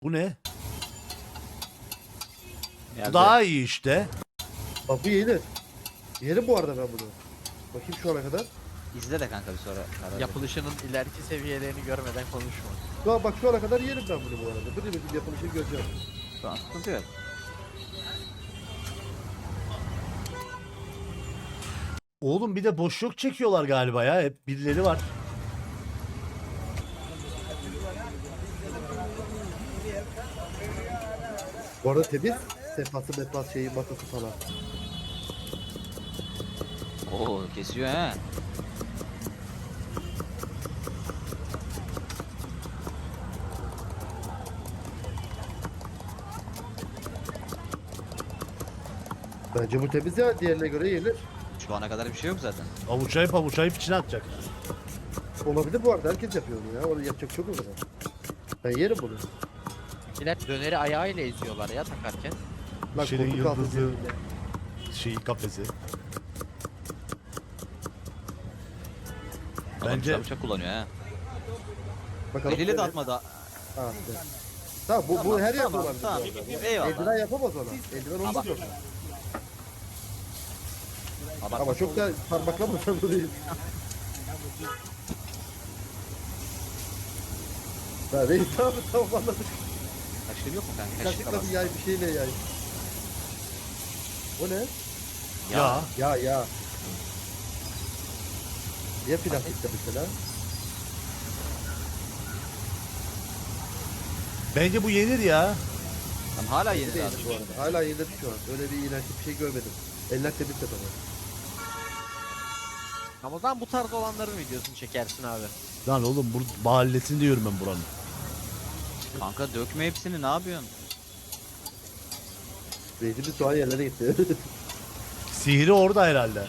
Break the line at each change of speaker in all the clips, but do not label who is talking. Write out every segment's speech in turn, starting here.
Bu ne? Bu
Geldi.
daha iyi işte.
Bak bu yenir. Yerim bu arada ben bunu. Bakayım şu ana kadar.
İzle de kanka bir sonra. karar ver.
Yapılışının ileriki seviyelerini görmeden konuşma.
Şu an bak şu ana kadar yerim ben bunu bu arada. Bir bir yapılışını göreceğim.
Şu an sıkıntı yok.
Oğlum bir de boşluk çekiyorlar galiba ya. Hep birileri var.
Bu arada temiz. Sefası metbas şeyi masası falan.
Oo kesiyor he.
Bence bu temiz ya. Diğerine göre yenir.
Şu ana kadar bir şey yok zaten.
Avuçlayıp içine atacak.
Olabilir bu arada. Herkes yapıyor onu ya. Onu yapacak çok o zaman. Ben yerim bunu.
İler döneri ayağıyla eziyorlar ya takarken.
Lan
Şirin
koltuk altı
yıldızı.
üzerinde.
Şeyi kafesi.
Adam
Bence-
güzel bıçak kullanıyor he.
Bakalım.
Eliyle de
evet.
atmadı.
Ha, işte. Tamam bu her yerde
tamam,
olabilir.
tamam.
bu arada.
Eyvallah.
Eldiven yapamaz ona. Eldiven olmaz orada. Ama çok da parmaklamasan da değil. Ha reis tamam anladık.
Kaşığı yok mu kanka?
Kaşıkla
Kaşıkla
bir yay bir şeyle yay. O ne?
Ya.
Ya. Niye plastikte mesela?
Bence bu yenir ya.
Tam hala yeni
Değil
daha.
bu arada. Hala yenir şu an. Öyle bir iğrenç bir şey görmedim. Eller temiz de tamam.
Ama o zaman bu tarz olanların videosunu çekersin abi.
Lan oğlum bu mahallesinde diyorum ben buranın.
Kanka dökme hepsini ne yapıyorsun?
Reisimiz şu an yerlere gitti.
Sihri orada herhalde.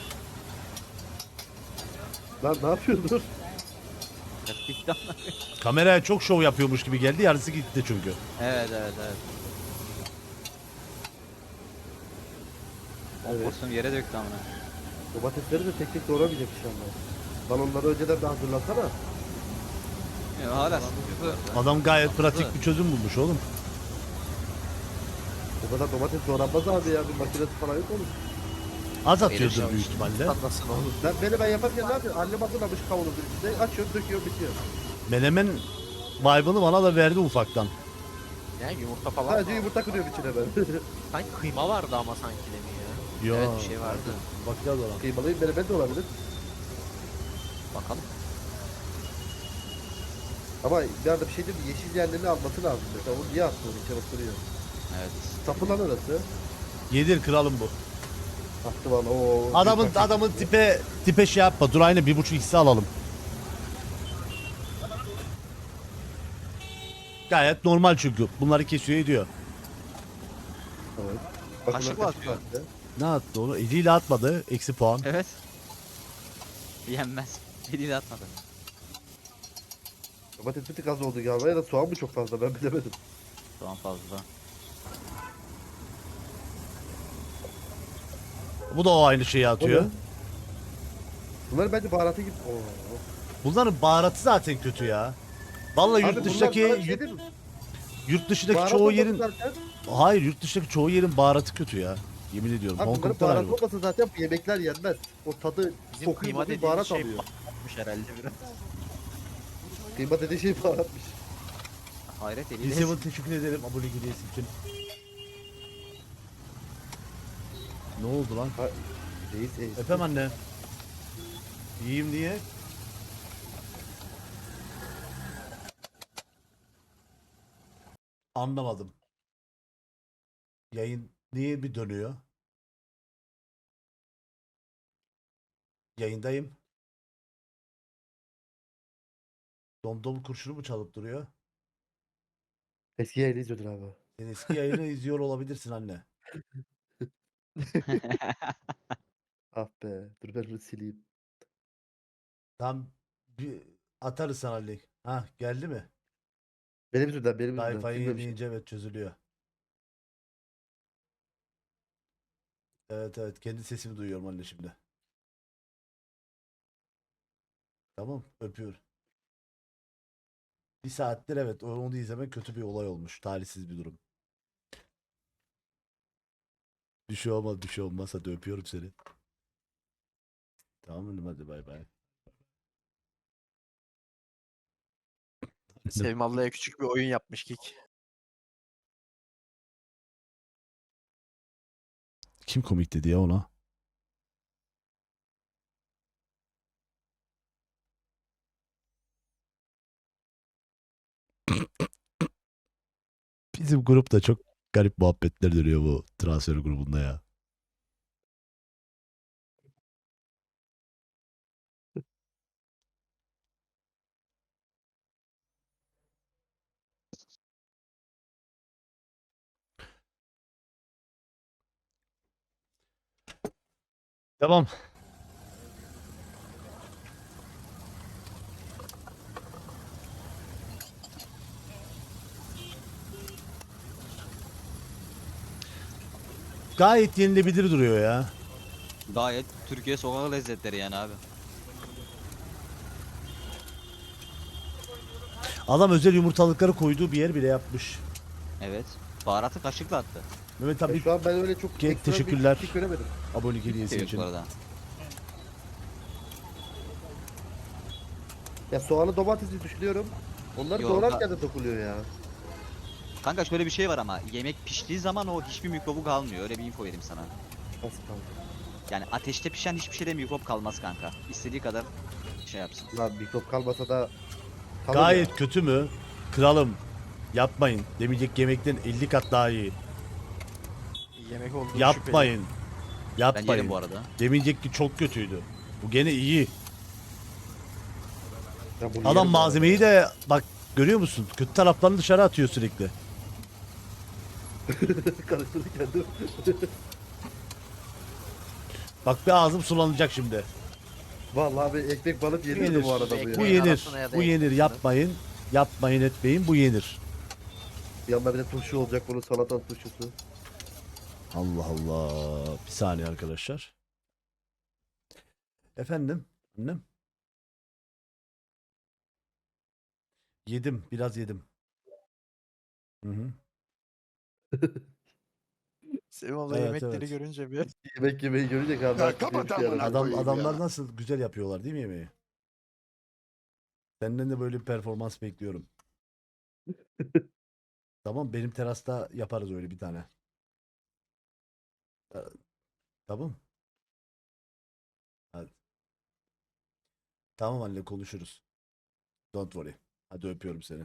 Lan ne yapıyorsun dur?
Bitti ama.
Kameraya çok şov yapıyormuş gibi geldi. Yarısı gitti çünkü.
Evet. O
Evet.
porsiyon yere döktü amına.
Domatesleri de tek tek doğramayacak inşallah. Lan onları önceden de hazırlasana.
Ya, hala sıkıntı.
Adam gayet pratik bir çözüm bulmuş oğlum.
O kadar domates doğranmaz abi ya. Bir makinesi falan yok onun.
Az atıyordur
Erişim
büyük ihtimalle.
Anlasın oğlum.
Ben yaparken ne yapıyorum? Annem hazırlamış kavanozun içinde. Açıyor, döküyor, bitiyor.
Menemen vibe'ını bana da verdi ufaktan.
Yani yumurta falan
Sadece
mı?
yumurta kırıyorum içine ben.
Sanki kıyma vardı ama sanki de mi ya?
Yo.
Evet bir şey vardı.
Bakacağız ona.
Kıymalıyım menemen de olabilir.
Bakalım.
Ama bir arada bir şey değil mi? Yeşil yerlerini alması lazım. Mesela onu niye attı onu içine oturuyor?
Evet.
Sapı lan orası.
Yedir kralım bu.
Attı valla o.
Adamın tipe şey yapma. Dur aynı 1,5 x'i alalım. Gayet normal çünkü. Bunları kesiyor ediyor.
Evet.
Kaşıkla atıyor.
attı.
Ne attı onu? Eliyle atmadı. Eksi puan.
Evet. Yenmez. Eliyle atmadı.
Domates bir tık az oldu galiba ya da soğan mı çok fazla ben bilemedim.
Şu an fazla.
Bu da o aynı şeyi atıyor.
O ne? Bunlar bence baharatı gibi. Oo.
Bunların baharatı zaten kötü ya. Vallahi
Abi
yurt
bunlar
dışındaki
bana bir şey değil mi?
yurt dışındaki
Baharat
çoğu
olmasa
yerin
zaten-
hayır yurt dışındaki çoğu yerin baharatı kötü ya. Yemin ediyorum.
Abi
Hong
bunların
Kong'da
baharat
var bu.
olmasa zaten bu yemekler yenmez. O tadı
Bizim
kokuyu
kıyma
bir
dediğimiz
baharat
şey
alıyor.
batmış herhalde biraz.
Kıyma dediği şey baharatmış.
Hayret eliyle.
Liseven teşekkür ederim abone hediyesi için. Ne oldu lan?
Ha, reis
Efendim anne. İyiyim diye. Anlamadım. Yayın niye bir dönüyor? Yayındayım. Domdom kurşunu mu çalıp duruyor?
eski yayını izliyordun abi.
Sen eski yayını izliyor olabilirsin anne.
Ah be. Dur ben bunu sileyim.
Tam bir atarız sana link. Ha geldi mi?
Benim yüzümden
Wi-Fi
silmemişim.
yenileyince evet çözülüyor. Evet kendi sesimi duyuyorum anne şimdi. Tamam öpüyorum. Bir saattir evet onu izlemek kötü bir olay olmuş. Talihsiz bir durum. Bir şey olmaz bir şey olmaz. Hadi öpüyorum seni. Tamam mı? Hadi bay bay.
Sevim ablaya küçük bir oyun yapmış Kik.
Kim komik dedi ya ona? Bizim grupta çok garip muhabbetler dönüyor bu transfer grubunda ya. Tamam. Gayet yenilebilir duruyor ya.
Gayet Türkiye sokak lezzetleri yani abi.
Adam özel yumurtalıkları koyduğu bir yer bile yapmış.
Evet. Baharatı kaşıkla attı.
Mehmet
Ya
abi
şu an ben öyle çok ekstra bir
teşekkürler.
şey göremedim.
Abonelik hediyesi
Seviyorum
için.
bu arada.
Ya soğanı domatesi düşünüyorum. Onları
Yok,
doğrarken de dokuluyor ya.
Kanka şöyle bir şey var ama yemek piştiği zaman o hiçbir mikrobu kalmıyor. Öyle bir info vereyim sana.
Nasıl kaldı?
Yani ateşte pişen hiçbir şeyde mikrop kalmaz kanka. İstediği kadar şey yapsın.
Lan mikrop kalmasa da kalır
Gayet
ya.
kötü mü? Kralım. Yapmayın. Demeyecek yemekten 50 kat daha iyi.
Yemek olduğu
Yapmayın.
Ben
Yapmayın.
yerim bu arada.
Demeyecek ki çok kötüydü. Bu gene iyi.
Ya bunu
Adam
yerim
malzemeyi de bak görüyor musun? Kötü taraflarını dışarı atıyor sürekli.
bu arada. Karıştırırken de.
Bak bir ağzım sulanacak şimdi.
Vallahi abi ekmek balık
Bu
yenirdi
yenir.
bu arada bu
Bu
ya.
Ekmeğin
yenir.
arasına ya da
Bu yenir.
ekmeğin
Yapmayın. Yapmayın etmeyin. Bu yenir.
Yanında bir de turşu olacak bunun salata turşusu.
Allah Allah. Bir saniye arkadaşlar. Efendim? Annem? Yedim. Biraz yedim. Hı hı.
Sevim abla
Evet,
yemekleri
evet.
görünce bir
Yemek yemeyi görünce karnı
kapat amına
Adamlar nasıl güzel yapıyorlar değil mi yemeği? Senden de böyle bir performans bekliyorum. Tamam benim terasta yaparız öyle bir tane. Ee, Tamam. Hadi. Tamam anne konuşuruz. Don't worry. Hadi öpüyorum seni.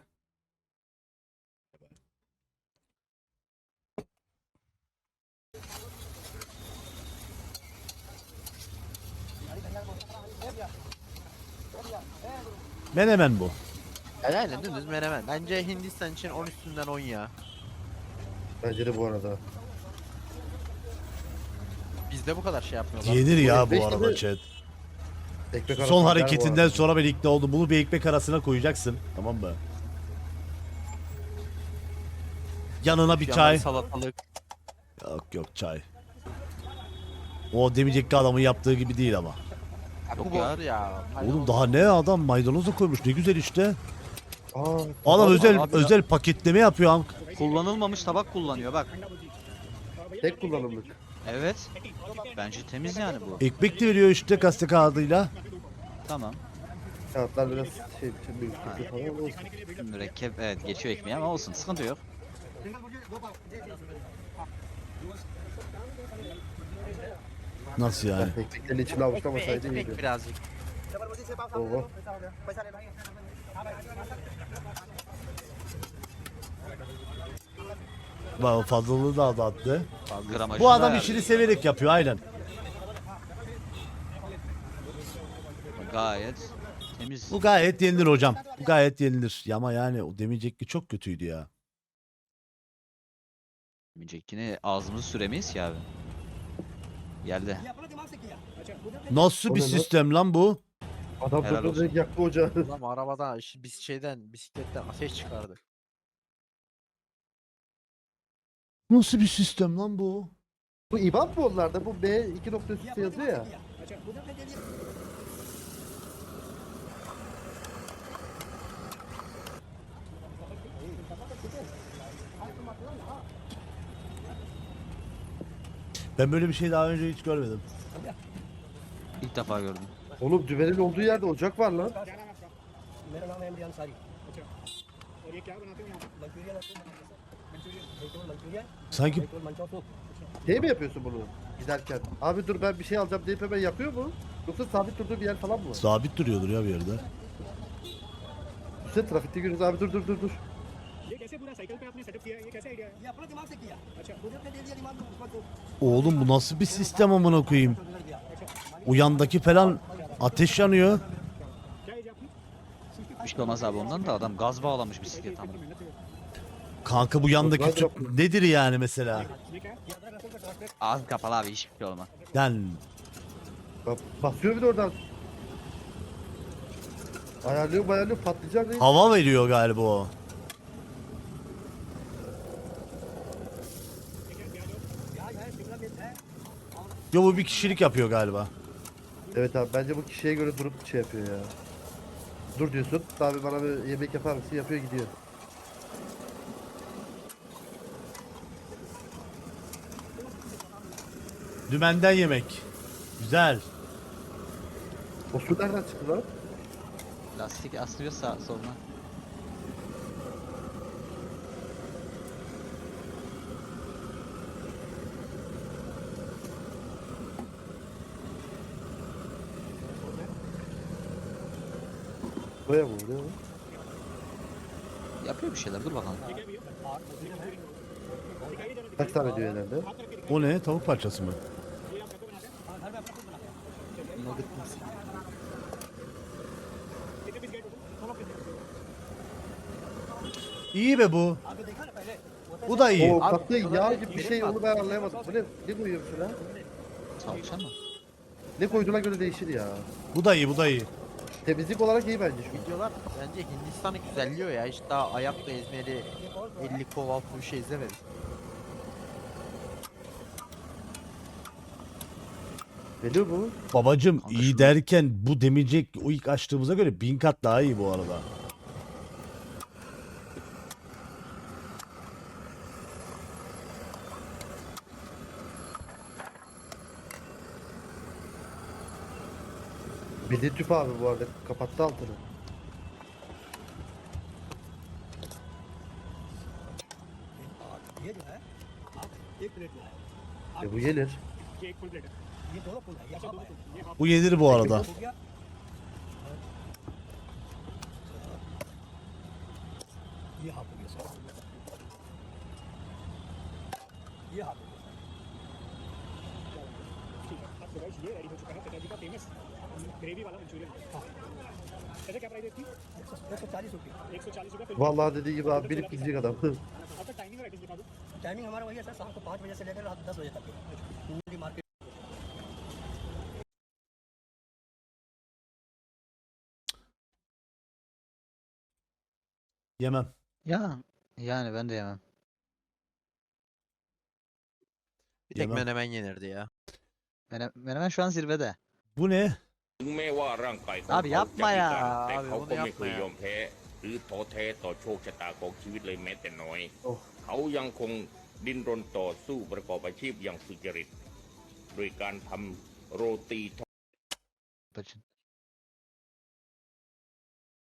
Menemen bu.
yani dümdüz menemen. Bence Hindistan için 10 üstünden 10 ya.
Bence de bu arada.
Bizde bu kadar şey yapmıyorlar.
Yenir ya
ekmek
bu arada
tabii-
chat.
Ekmek arası
Son
gider bu
hareketinden
arada.
sonra ben ikna oldum. Bunu bir ekmek arasına koyacaksın. Tamam mı? Yanına bir
Yanında
çay.
salatalık.
Yok yok çay. O demeyecek ki adamın yaptığı gibi değil ama.
Yok
Bu
ya.
bozdu ya.
Oğlum daha ne adam maydanoz da koymuş ne güzel işte.
Aa,
Adam özel
abi
özel paketleme yapıyor.
Kullanılmamış tabak kullanıyor bak.
tek kullanımlık.
Evet. Bence temiz yani bu.
Ekmek de veriyor işte gazete kağıdıyla.
Tamam.
Kağıtlar biraz şey büyük falan ama olsun.
Mürekkep evet geçiyor ekmeği ama olsun sıkıntı yok.
Nasıl yani?
Ekmeklerin içine avuçlamasaydı
Ekmek
iyiydi.
birazcık.
Oho.
Bak fazlalığı da attı.
Gramajı
Bu adam
da
işini severek yapıyor aynen.
gayet temiz.
Bu gayet yenilir hocam. Bu gayet yenilir. Ya ama yani o demeyecek ki çok kötüydü ya.
Yine ağzımızı süremeyiz ki abi. Geldi.
Nasıl
O
bir
ne lan?
sistem lan bu?
Adam
Helal
topladı
olsun.
yaktı ocağı.
Adam arabadan, bisikletten ateş çıkardı.
Nasıl bir sistem lan bu?
Bu İBAN mı onlarda? Bu B 2 nokta üstü yazıyor ya.
Ben böyle bir şey daha önce hiç görmedim.
İlk defa gördüm.
Oğlum dümenin olduğu yerde ocak var lan.
मेरा नाम है इमरान सारी अच्छा और ये क्या बनाते हो यहाँ Manchurian Manchurian
Sanki
Manchow soup
Şey mi yapıyorsun bunu giderken? Abi dur ben bir şey alacağım deyip hemen yapıyor mu? Yoksa sabit durduğu bir yer falan mı var?
sabit duruyordur ya bir yerde.
Üstelik trafikte görüyoruz abi dur.
ये कैसे पूरा साइकिल पे आपने सेटअप किया है ये कैसे आइडिया है ये अपने दिमाग से किया अच्छा मुझे अपने दे दिया दिमाग में उसका तो
Oğlum bu nasıl bir sistem amına koyayım? O yandaki falan ateş yanıyor.
क्या एज है आपकी
Bir şey olmaz abi ondan da adam gaz bağlamış bisiklet ama.
Kanka bu yandaki tüp nedir yani mesela?
ये क्या है ये अदर रसों का translate
Ağzı kapalı abi hiçbir şey olmaz.
Yani
Bak, basıyor bir de oradan. Ayarlıyor patlayacak değil.
hava veriyor galiba o.
प्याज है शिमला मिर्च है
Yo bu bir kişilik yapıyor galiba.
Evet abi bence bu kişiye göre durup şey yapıyor ya. Dur diyorsun. Abi bana bir yemek yapar mısın? Yapıyor gidiyor.
Dümenden yemek. Güzel.
O su nereden çıktı lan?
Lastik asılıyor sağa soluna.
Buraya mı? Buraya mı?
Yapıyor bir şeyler dur bakalım.
Kaç tane diyor herhalde?
O ne? Tavuk parçası mı? İyi be bu. Bu da iyi.
O katlı yağ gibi bir şey onu ben anlayamadım. Bu ne koyuyor şuna?
Salça mı?
Ne koyduğuna göre değişir ya.
Bu da iyi, bu da iyi.
Temizlik olarak iyi bence şu.
Videolar bence Hindistan'ı güzelliyor ya. Hiç daha ayakla ezmeli 50 kov altı bir şey izlemedim.
Geliyor mu?
Babacım
Kanka
iyi
şu-
derken bu demeyecek o ilk açtığımıza göre 1000 kat daha iyi bu arada.
Bildiğin tüp abi bu arada. Kapattı altını.
ये जो है आप एक प्लेट में
Bu gelir.
ये एक full plate है ये दोनों फुल है ये हाफ है ये half
Bu yenir bu arada.
हो गया ये हाफ हो गया सर ये हाफ हो गया ठीक है अब तो गाइस ये रेडी हो चुका है पिताजी का फेमस ग्रेवी वाला मंचूरियन ऐसे क्या प्राइस है इसकी 140 रुपये 140 रुपये full
Vallahi dediği gibi abi bilip gidecek adam.
आपका टाइमिंग राइटिंग दिखा दो टाइमिंग हमारा वही है सर शाम को 5 बजे से लेकर रात 10 बजे तक पूरी market
Yemem.
Ya yani ben de yemem.
Bir tek
Yemem.
menemen yenirdi ya.
Menemen şu an zirvede.
Bu ne?
ถึงแม้ว่าร่างกายของ
Abi
เขา
yapma
จะพิ
ya.
การแต่
Abi
เขา
onu
ก็ไม่
yapma
เคย
ya.
ยอมแพ้หรือท้อแท้ต่อโชคชะตาของชีวิตเลยแม้แต่น้อย
โอ้
เขายังคงดิ้นรนต่อสู้ประกอบอาชีพอย่างสุจริต โดยการทำโรตี
Bacın.